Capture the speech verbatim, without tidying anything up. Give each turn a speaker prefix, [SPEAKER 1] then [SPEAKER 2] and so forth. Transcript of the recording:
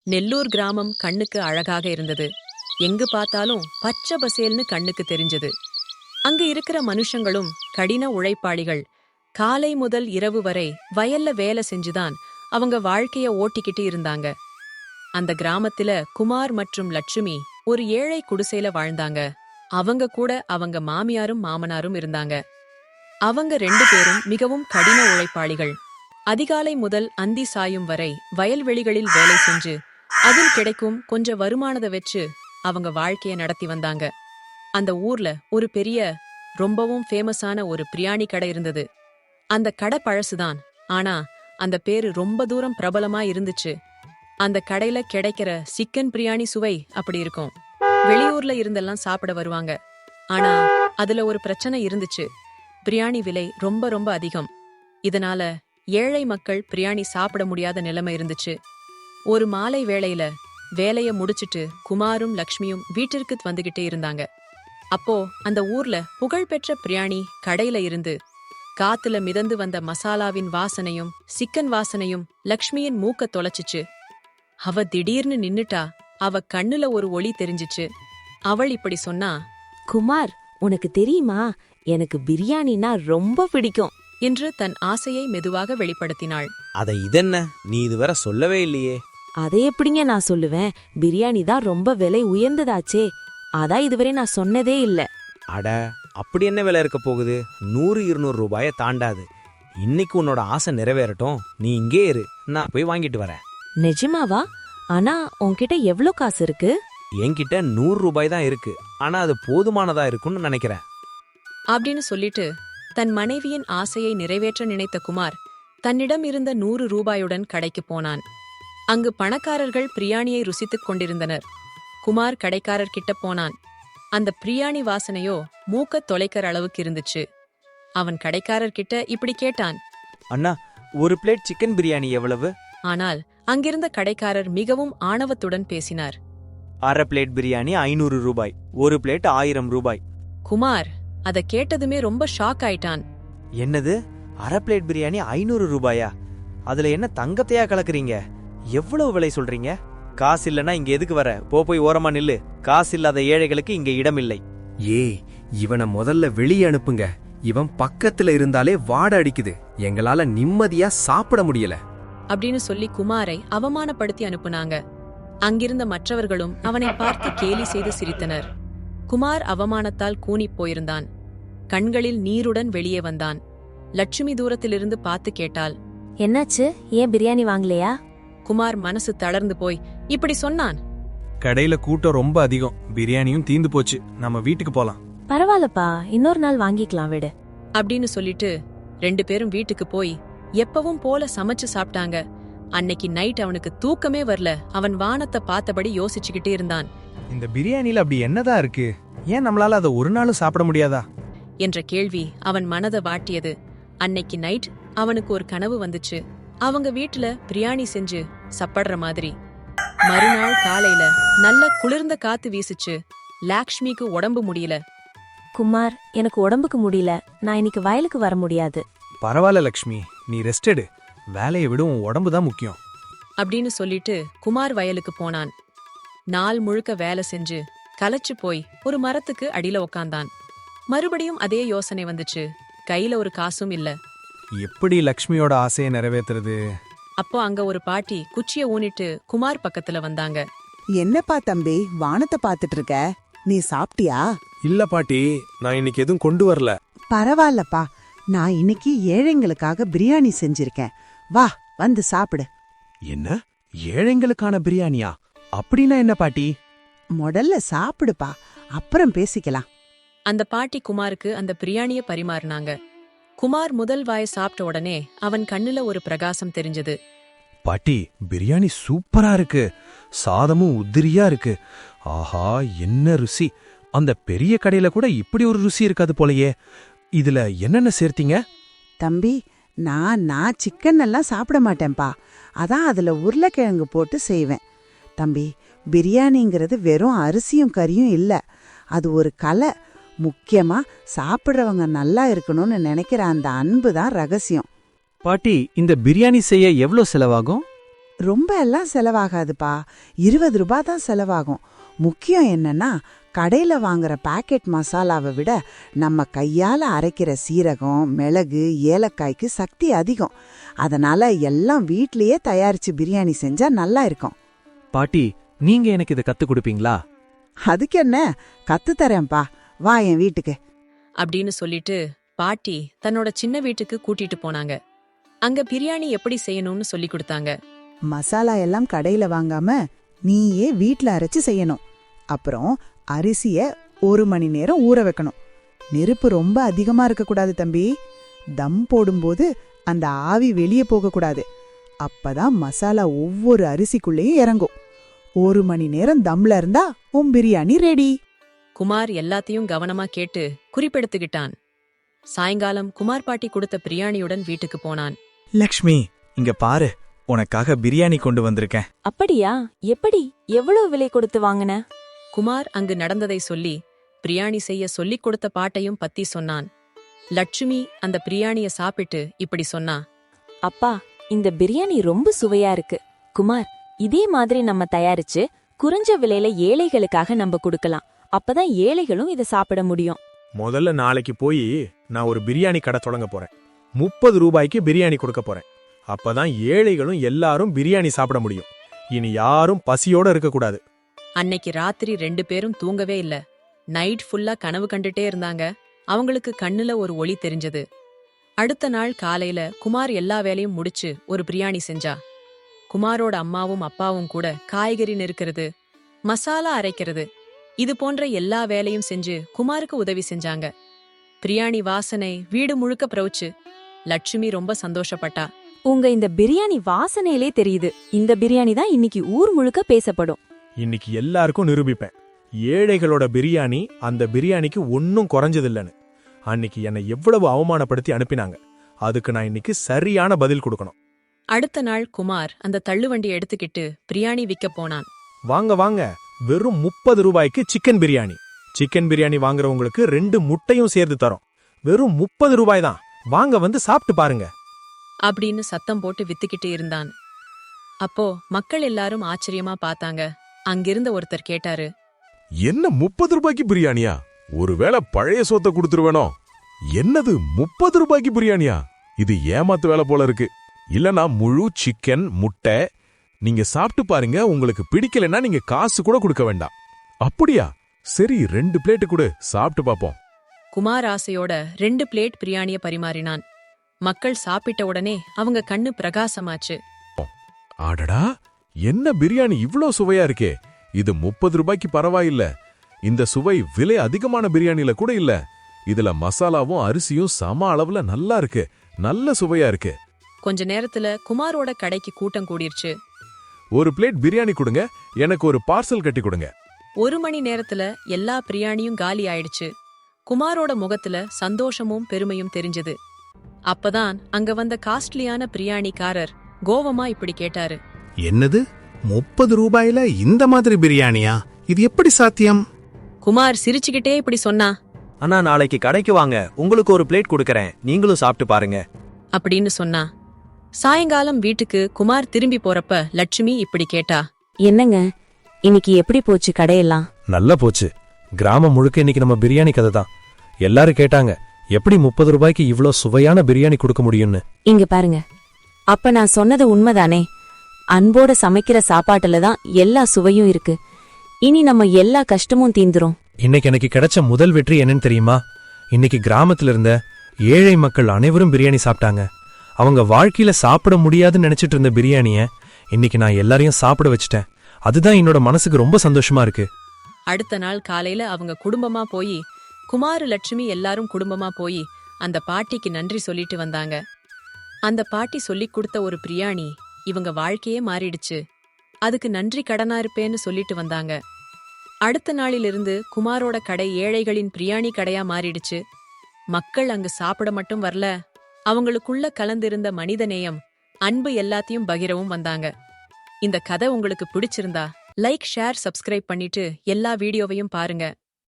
[SPEAKER 1] நெல்லூர் கிராமம் கண்ணுக்கு அழகாக இருந்தது. எங்கு பார்த்தாலும் பச்சை பசேல்னு கண்ணுக்கு தெரிஞ்சது. அங்கு இருக்கிற மனுஷங்களும் கடின உழைப்பாளிகள். காலை முதல் இரவு வரை வயல்ல வேலை செஞ்சுதான் அவங்க வாழ்க்கைய ஓட்டிக்கிட்டு இருந்தாங்க. அந்த கிராமத்துல குமார் மற்றும் லட்சுமி ஒரு ஏழை குடிசையில வாழ்ந்தாங்க. அவங்க கூட அவங்க மாமியாரும் மாமனாரும் இருந்தாங்க. அவங்க ரெண்டு பேரும் மிகவும் கடின உழைப்பாளிகள். அதிகாலை முதல் அந்தி சாயும் வரை வயல்வெளிகளில் வேலை செஞ்சு அதில் கிடைக்கும் கொஞ்ச வருமானத்தை வச்சு அவங்க வாழ்க்கைய நடத்தி வந்தாங்க. அந்த ஊர்ல ஒரு பெரிய ரொம்பவும் ஃபேமஸான ஒரு பிரியாணி கடை இருந்தது. அந்த கடை பழசுதான், ஆனா அந்த பேரு ரொம்ப தூரம் பிரபலமா இருந்துச்சு. அந்த கடையில கிடைக்கிற சிக்கன் பிரியாணி சுவை அப்படி இருக்கும். வெளியூர்ல இருந்தெல்லாம் சாப்பிட வருவாங்க. ஆனா அதுல ஒரு பிரச்சனை இருந்துச்சு. பிரியாணி விலை ரொம்ப ரொம்ப அதிகம். இதனால ஏழை மக்கள் பிரியாணி சாப்பிட முடியாத நிலைமை இருந்துச்சு. ஒரு மாலை வேளையில வேலைய முடிச்சிட்டு குமாரும் லக்ஷ்மியும் வீட்டிற்கு வந்துகிட்டே இருந்தாங்க. அப்போ அந்த ஊர்ல புகழ்பெற்ற பிரியாணி கடையில இருந்து காத்துல மிதந்து வந்த மசாலாவின் வாசனையும் சிக்கன் வாசனையும் லக்ஷ்மியின் மூக்க தொலைச்சிச்சு. அவ திடீர்னு நின்னுட்டா. அவ கண்ணுல ஒரு ஒளி தெரிஞ்சிச்சு. அவள் இப்படி சொன்னா,
[SPEAKER 2] குமார், உனக்கு தெரியுமா, எனக்கு பிரியாணினா ரொம்ப பிடிக்கும்
[SPEAKER 1] என்று தன் ஆசையை மெதுவாக வெளிப்படுத்தினாள்.
[SPEAKER 3] அத இதென்ன, நீ இதுவரை சொல்லவே இல்லையே.
[SPEAKER 2] அதை எப்படிங்க நான் சொல்லுவேன்? பிரியாணி தான் ரொம்ப விலை உயர்ந்ததாச்சே, அதான் இதுவரை நான் சொன்னதே இல்ல.
[SPEAKER 3] அட, அப்படி என்ன விலை இருக்க போகுது? நூறு இருநூறு ரூபாய தாண்டாது. இன்னைக்கு உன்னோட ஆசை நிறைவேறட்டும், நீ இங்கே இரு, நான் போய் வாங்கிட்டு வரேன்.
[SPEAKER 2] நிஜமாவா? ஆனா உன்கிட்ட எவ்ளோ காசு இருக்கு?
[SPEAKER 3] என்கிட்ட நூறு ரூபாய் தான் இருக்கு, ஆனா அது போதுமானதா இருக்கும்னு நினைக்கிறேன்
[SPEAKER 1] அப்படின்னு சொல்லிட்டு தன் மனைவியின் ஆசையை நிறைவேற்ற நினைத்த குமார் தன்னிடம் இருந்த நூறு ரூபாயுடன் கடைக்கு போனான். அங்கு பணக்காரர்கள் பிரியாணியை ருசித்துக் கொண்டிருந்தனர். குமார் கடைக்காரர் கிட்ட போனான். அந்த பிரியாணி வாசனையோ மூக்க தொலைக்கிற அளவுக்கு இருந்துச்சு. அவன் கடைக்காரர் கிட்ட இப்படி கேட்டான்,
[SPEAKER 3] அண்ணா, ஒரு பிளேட் சிக்கன் பிரியாணி எவ்வளவு?
[SPEAKER 1] ஆனால் அங்கிருந்த கடைக்காரர் மிகவும் ஆணவத்துடன் பேசினார்.
[SPEAKER 3] அரை பிளேட் பிரியாணி ஐநூறு ரூபாய், ஒரு பிளேட் ஆயிரம் ரூபாய்.
[SPEAKER 1] குமார் அத கேட்டதுமே ரொம்ப ஷாக் ஆயிட்டான்.
[SPEAKER 3] என்னது, அரை பிளேட் பிரியாணி ஐநூறு ரூபாயா? அதுல என்ன தங்கத்தையா கலக்குறீங்க? எவ்வளவு விலை சொல்றீங்க? காசு இல்லனா இங்க எதுக்கு வர? போ, போய் ஓரமா நில்லு. காசு இல்லாத ஏழைகளுக்கு இங்க இடம் இல்லை.
[SPEAKER 4] ஏ, இவனை முதல்ல வெளியே அனுப்புங்க. இவன் பக்கத்துல இருந்தாலே வாட அடிக்குது. எங்களால நிம்மதியா சாப்பிட முடியல
[SPEAKER 1] அப்படின்னு சொல்லி குமாரை அவமானப்படுத்தி அனுப்புனாங்க. அங்கிருந்த மற்றவர்களும் அவனை பார்த்து கேலி செய்து சிரித்தனர். குமார் அவமானத்தால் கூனிப் போயிருந்தான். கண்களில் நீருடன் வெளியே வந்தான். லட்சுமி தூரத்திலிருந்து பார்த்து கேட்டாள்,
[SPEAKER 2] என்னாச்சு? ஏன் பிரியாணி வாங்கலையா?
[SPEAKER 1] குமார் மனசு தளர்ந்து போய் இப்படி சொன்னான்,
[SPEAKER 4] கடையில கூட்டம் ரொம்ப அதிகம், பிரியாணியும் தீந்து போச்சு, நம்ம வீட்டுக்கு போலாம்.
[SPEAKER 2] பரவாயில்லப்பா, இன்னொரு நாள் வாங்கிக்கலாம் விடு
[SPEAKER 1] அப்படின்னு சொல்லிட்டு ரெண்டு பேரும் வீட்டுக்கு போய் எப்பவும் போல சமைச்சு சாப்பிட்டாங்க. அன்னைக்கு நைட் அவனுக்கு தூக்கமே வரல. அவன் வானத்தை பார்த்தபடி யோசிச்சுக்கிட்டே இருந்தான்.
[SPEAKER 4] இந்த பிரியாணில அப்படி என்னதான் இருக்கு? ஏன் நம்மளால அதை ஒரு நாளும் சாப்பிட முடியாதா
[SPEAKER 1] என்ற கேள்வி அவன் மனதை வாட்டியது. அன்னைக்கு நைட் அவனுக்கு ஒரு கனவு வந்துச்சு. அவங்க வீட்டுல பிரியாணி செஞ்சு சாப்பிடுற மாதிரி. மறுநாள் காலையில நல்ல குளிர்ந்த காத்து வீசுச்சு. லாக்ஷ்மிக்கு உடம்பு முடியல.
[SPEAKER 2] குமார், எனக்கு உடம்புக்கு முடியல, நான் இன்னைக்கு வயலுக்கு வர முடியாது.
[SPEAKER 4] பரவாயில்ல லக்ஷ்மி, நீ ரெஸ்ட் எடு. வேலையை விட உன் உடம்பு தான் முக்கியம்
[SPEAKER 1] அப்படின்னு சொல்லிட்டு குமார் வயலுக்கு போனான். நாள் முழுக்க வேலை செஞ்சு களைச்சு போய் ஒரு மரத்துக்கு அடியில உக்காந்தான். மறுபடியும் அதே யோசனை வந்துச்சு. கையில ஒரு காசும் இல்ல.
[SPEAKER 4] எப்படி லக்ஷ்மியோட ஆசையை நிறைவேத்துறது?
[SPEAKER 1] அப்போ அங்க ஒரு பாட்டி குச்சிய ஊனிட்டு குமார் பக்கத்துல வந்தாங்க.
[SPEAKER 5] என்னப்பா தம்பி, வானத்தை பாத்துட்டு இருக்க? நீ சாப்பிட்டியா?
[SPEAKER 4] இல்ல பாட்டி, நான் இன்னைக்கு எதுவும் கொண்டு வரல.
[SPEAKER 5] பரவாயில்லப்பா, நான் இன்னைக்கு ஏழைங்களுக்காக பிரியாணி செஞ்சிருக்கேன். வா, வந்து சாப்பிடு.
[SPEAKER 4] என்ன, ஏழைங்களுக்கான பிரியாணியா? அப்படின்னா என்ன பாட்டி?
[SPEAKER 5] முதல்ல சாப்பிடுப்பா, அப்புறம் பேசிக்கலாம்.
[SPEAKER 1] அந்த பாட்டி குமாருக்கு அந்த பிரியாணிய பரிமாறினாங்க. குமார் முதல் வாய சாப்பிட்ட உடனே அவன் கண்ணுல ஒரு பிரகாசம் தெரிஞ்சது.
[SPEAKER 4] பாட்டி, பிரியாணி சூப்பரா இருக்கு. சாதமும் உதிரியா இருக்கு. ஆஹா, என்ன ருசி! அந்த பெரிய கடையில கூட இப்படி ஒரு ருசி இருக்காது போலயே. இதுல என்னென்ன சேர்த்தீங்க?
[SPEAKER 5] தம்பி, நான் நான் சிக்கன் எல்லாம் சாப்பிட மாட்டேன்பா. அதான் அதுல உருளைக்கிழங்கு போட்டு செய்வேன். தம்பி, பிரியாணிங்கிறது வெறும் அரிசியும் கறியும் இல்ல, அது ஒரு கலை. முக்கியமா சாப்பிடுறவங்க நல்லா இருக்கணும்னு நினைக்கிற அந்த அன்பு தான் ரகசியம்.
[SPEAKER 6] பாட்டி, இந்த பிரியாணி செய்ய எவ்வளோ செலவாகும்?
[SPEAKER 5] ரொம்ப எல்லாம் செலவாகாதுப்பா, இருபது ரூபாய் தான் செலவாகும். முக்கியம் என்னன்னா, கடையில வாங்குற பாக்கெட் மசாலாவை விட நம்ம கையால அரைக்கிற சீரகம், மிளகு, ஏலக்காய்க்கு சக்தி அதிகம். அதனால எல்லாம் வீட்லயே தயாரிச்சு பிரியாணி செஞ்சா நல்லா இருக்கும்.
[SPEAKER 3] பாட்டி, நீங்க எனக்கு இதை கத்து கொடுப்பீங்களா?
[SPEAKER 5] அதுக்கு என்ன, கத்து தரேன்பா, வா என் வீட்டுக்கு.
[SPEAKER 1] அப்படின்னு சொல்லிட்டு பாட்டி தன்னோட சின்ன வீட்டுக்கு கூட்டிட்டு போனாங்க. அங்க பிரியாணி எப்படி செய்யணும்னு சொல்லி கொடுத்தாங்க.
[SPEAKER 6] மசாலா எல்லாம் கடையில வாங்காம நீயே வீட்ல அரைச்சு செய்யணும். அப்புறம் அரிசிய ஒரு மணி நேரம் ஊற வைக்கணும். நெருப்பு ரொம்ப அதிகமா இருக்கக்கூடாது தம்பி. தம் போடும்போது அந்த ஆவி வெளியே போகக்கூடாது. அப்பதான் மசாலா ஒவ்வொரு அரிசிக்குள்ளேயும் இறங்கும். ஒரு மணி நேரம் தம்ல இருந்தா உன் பிரியாணி ரெடி.
[SPEAKER 1] குமார் எல்லாத்தையும் கவனமா கேட்டு குறிப்பெடுத்துக்கிட்டான். சாயங்காலம் குமார் பாட்டி கொடுத்த பிரியாணியுடன் வீட்டுக்கு போனான்.
[SPEAKER 7] லக்ஷ்மி, இங்க பாரு, உனக்காக பிரியாணி கொண்டு வந்திருக்கேன்.
[SPEAKER 2] அப்படியா? எப்படி? எவ்வளவு விலை கொடுத்து வாங்குன?
[SPEAKER 1] குமார் அங்கு நடந்ததை சொல்லி பிரியாணி செய்ய சொல்லிக் கொடுத்த பாட்டையும் பத்தி சொன்னான். லட்சுமி அந்த பிரியாணிய சாப்பிட்டு இப்படி சொன்னா.
[SPEAKER 2] அப்பா, இந்த பிரியாணி ரொம்ப சுவையா இருக்கு. குமார், இதே மாதிரி நம்ம தயாரிச்சு குறைஞ்ச விலையில ஏழைகளுக்காக நம்ம கொடுக்கலாம். அப்பதான் ஏழைகளும் இதை சாப்பிட முடியும்.
[SPEAKER 4] முதல்ல நாளைக்கு போய் நான் ஒரு பிரியாணி கடை தொடங்க போறேன். முப்பது ரூபாய்க்கு பிரியாணி கொடுக்க போறேன். அப்பதான் ஏழைகளும் எல்லாரும் பிரியாணி சாப்பிட முடியும். இனி யாரும் பசியோட இருக்கக்கூடாது.
[SPEAKER 1] அன்னைக்கு ராத்திரி ரெண்டு பேரும் தூங்கவே இல்ல. நைட் ஃபுல்லா கனவு கண்டுட்டே இருந்தாங்க. அவங்களுக்கு கண்ணுல ஒரு ஒளி தெரிஞ்சது. அடுத்த நாள் காலையில குமார் எல்லா வேலையும் முடிச்சு ஒரு பிரியாணி செஞ்சா. குமாரோட அம்மாவும் அப்பாவும் கூட காய்கறி நெருக்கிறது, மசாலா அரைக்கிறது, இது போன்ற எல்லா வேலையும் செஞ்சு குமாருக்கு உதவி செஞ்சாங்க. பிரியாணி வாசனை வீடு முழுக்க பிரவுச்சு. லட்சுமி ரொம்ப சந்தோஷப்பட்டா.
[SPEAKER 2] உங்க இந்த பிரியாணி வாசனையிலே தெரியுது, இந்த பிரியாணி தான் இன்னைக்கு ஊர் முழுக்க பேசப்படும்.
[SPEAKER 4] இன்னைக்கு எல்லாருக்கும் நிரூபிப்பேன், ஏழைகளோட பிரியாணி அந்த பிரியாணிக்கு ஒன்னும் குறைஞ்சதில்லன்னு. அன்னைக்கு என்னை எவ்வளவு அவமானப்படுத்தி அனுப்பினாங்க. அதுக்கு நான் இன்னைக்கு சரியான பதில் கொடுக்கணும்.
[SPEAKER 1] அடுத்த நாள் குமார் அந்த தள்ளுவண்டி எடுத்துக்கிட்டு பிரியாணி விற்க போனான்.
[SPEAKER 4] வாங்க வாங்க, வெறும் முப்பது ரூபாய்க்கு சிக்கன் பிரியாணி. சிக்கன் பிரியாணி வாங்குறவங்களுக்கு ரெண்டு முட்டையும் சேர்த்து தரோம். வெறும் முப்பது ரூபாய் தான். வாங்க வந்து சாப்பிட்டு பாருங்க
[SPEAKER 1] அப்படின்னு சத்தம் போட்டு வித்துக்கிட்டு இருந்தான். அப்போ மக்கள் எல்லாரும் ஆச்சரியமா பார்த்தாங்க. அங்கிருந்த ஒருத்தர் கேட்டாரு,
[SPEAKER 8] என்ன முப்பது ரூபாய்க்கு பிரியாணியா? ஒருவேளை பழைய சோத்த கொடுத்துருவேனோ? என்னது முப்பது ரூபாய்க்கு பிரியாணியா? இது ஏமாத்து வேலை போல இருக்கு. இல்லனா முழு சிக்கன் முட்டை. நீங்க சாப்பிட்டு பாருங்க, உங்களுக்கு பிடிக்கலன்னா நீங்க காசு கூட கொடுக்க வேண்டாம். அப்படியா? சரி, ரெண்டு பிளேட்டு கொடு, சாப்பிட்டு பாப்போம்.
[SPEAKER 1] குமார் ஆசையோட ரெண்டு பிளேட் பிரியாணிய பரிமாறினான். மக்கள் சாப்பிட்ட உடனே அவங்க கண்ணு பிரகாசமாச்சு.
[SPEAKER 8] ஆடடா, என்ன பிரியாணி இவ்ளோ சுவையா இருக்கே! இது முப்பது ரூபாய்க்கு பரவாயில்ல. இந்த சுவை விலை அதிகமான பிரியாணில கூட இல்ல. இதுல மசாலாவும் அரிசியும் சம அளவுல நல்லா இருக்கு. நல்ல சுவையா இருக்கு.
[SPEAKER 1] கொஞ்ச நேரத்துல குமாரோட கடைக்கு கூட்டம் கூடிருச்சு.
[SPEAKER 8] ஒரு பிளேட் பிரியாணி கொடுங்க, எனக்கு ஒரு பார்சல் கட்டி கொடுங்க.
[SPEAKER 1] ஒரு மணி நேரத்துல எல்லா பிரியாணியும் காலி ஆயிடுச்சு. குமாரோட முகத்துல சந்தோஷமும் பெருமையும் தெரிஞ்சது. அப்பதான் அங்க வந்த காஸ்ட்லியான பிரியாணிக்காரர் கோவமா இப்படி கேட்டாரு.
[SPEAKER 9] என்னது, முப்பது ரூபாயில இந்த மாதிரி பிரியாணியா? இது எப்படி சாத்தியம்?
[SPEAKER 1] குமார் சிரிச்சுக்கிட்டே இப்படி சொன்னா.
[SPEAKER 3] அண்ணா, நாளைக்கு கடைக்கு வாங்க, உங்களுக்கு ஒரு பிளேட் கொடுக்கறேன், நீங்களும் சாப்பிட்டு பாருங்க
[SPEAKER 1] அப்படின்னு சொன்னா. சாயங்காலம் வீட்டுக்கு குமார் திரும்பி போறப்ப லட்சுமி இப்படி கேட்டா.
[SPEAKER 2] என்னங்க, இன்னைக்கு எப்படி போச்சு கடையெல்லாம்?
[SPEAKER 4] நல்லா போச்சு. கிராமம் முழுக்க இன்னைக்கு நம்ம பிரியாணி கதை தான். எல்லாரும் கேட்டாங்க, எப்படி முப்பது ரூபாய்க்கு இவ்ளோ சுவையான பிரியாணி கொடுக்க முடியும்னு.
[SPEAKER 2] இங்க பாருங்க, அப்ப நான் சொன்னது உண்மைதானே? அன்போட சமைக்கிற சாப்பாட்டுல தான் எல்லா சுவையும் இருக்கு. இனி நம்ம எல்லா கஷ்டமும் தீந்துரும்.
[SPEAKER 4] இன்னைக்கு எனக்கு கிடைச்ச முதல் வெற்றி என்னன்னு தெரியுமா? இன்னைக்கு கிராமத்துல இருந்த ஏழை மக்கள் அனைவரும் பிரியாணி சாப்பிட்டாங்க. அவங்க வாழ்க்கையில சாப்பிட முடியாதுன்னு நினைச்சிட்டு இருந்த பிரியாணிய இன்னைக்கு நான் எல்லாரையும் சாப்பிட வச்சுட்டேன். அதுதான் என்னோட மனசுக்கு ரொம்ப சந்தோஷமா இருக்கு.
[SPEAKER 1] அடுத்த நாள் காலையில அவங்க குடும்பமா போய், குமார் லட்சுமி எல்லாரும் குடும்பமா போய் அந்த பாட்டிக்கு நன்றி சொல்லிட்டு வந்தாங்க. அந்த பாட்டி சொல்லிக் கொடுத்த ஒரு பிரியாணி இவங்க வாழ்க்கையே மாறிடுச்சு. அதுக்கு நன்றி கடனா இருப்பேன்னு சொல்லிட்டு வந்தாங்க. அடுத்த நாளிலிருந்து குமாரோட கடை ஏழைகளின் பிரியாணி கடையா மாறிடுச்சு. மக்கள் அங்கு சாப்பிட மட்டும் வரல, அவங்களுக்குள்ள கலந்திருந்த மனிதநேயம், அன்பு எல்லாத்தையும் பகிரவும் வந்தாங்க. இந்த கதை உங்களுக்கு பிடிச்சிருந்தா லைக், ஷேர், சப்ஸ்கிரைப் பண்ணிட்டு எல்லா வீடியோவையும் பாருங்க.